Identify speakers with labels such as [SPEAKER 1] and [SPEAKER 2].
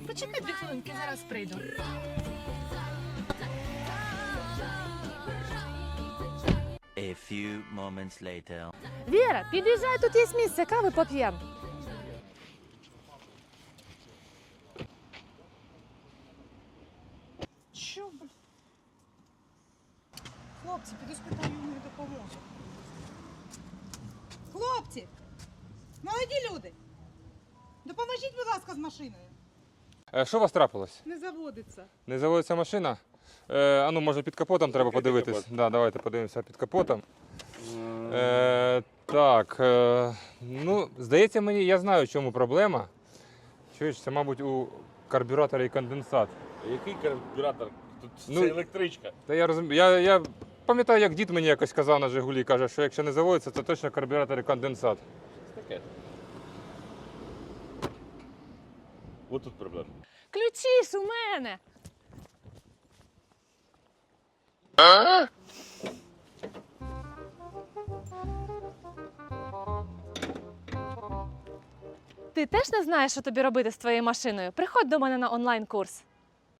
[SPEAKER 1] почекай 2 хвилинки, зараз прийду.
[SPEAKER 2] A few moments later.
[SPEAKER 3] Віра, під'їжджай, тут є місце, кави поп'ємо.
[SPEAKER 4] Що, блін? Хлопці, піду спитаю, йому допоможу. Хлопці! Молоді люди! Допоможіть, будь ласка, з машиною.
[SPEAKER 5] Що у вас трапилось?
[SPEAKER 4] Не заводиться.
[SPEAKER 5] Не заводиться машина? Ну, може під капотом треба подивитись. Да, давайте подивимося під капотом. Так, ну, здається мені, я знаю, в чому проблема. Чуєш, це, мабуть, у карбюратора і конденсат.
[SPEAKER 6] Який карбюратор? Тут
[SPEAKER 5] Ну,
[SPEAKER 6] це електричка.
[SPEAKER 5] Та я розумію. Я пам'ятаю, як дід мені якось казав на Жигулі, каже, що якщо не заводиться, це точно карбюратор і конденсат.
[SPEAKER 6] Що таке? Ось тут проблема.
[SPEAKER 3] Ключі ж у мене. Ти теж не знаєш, що тобі робити з твоєю машиною? Приходь до мене на онлайн-курс.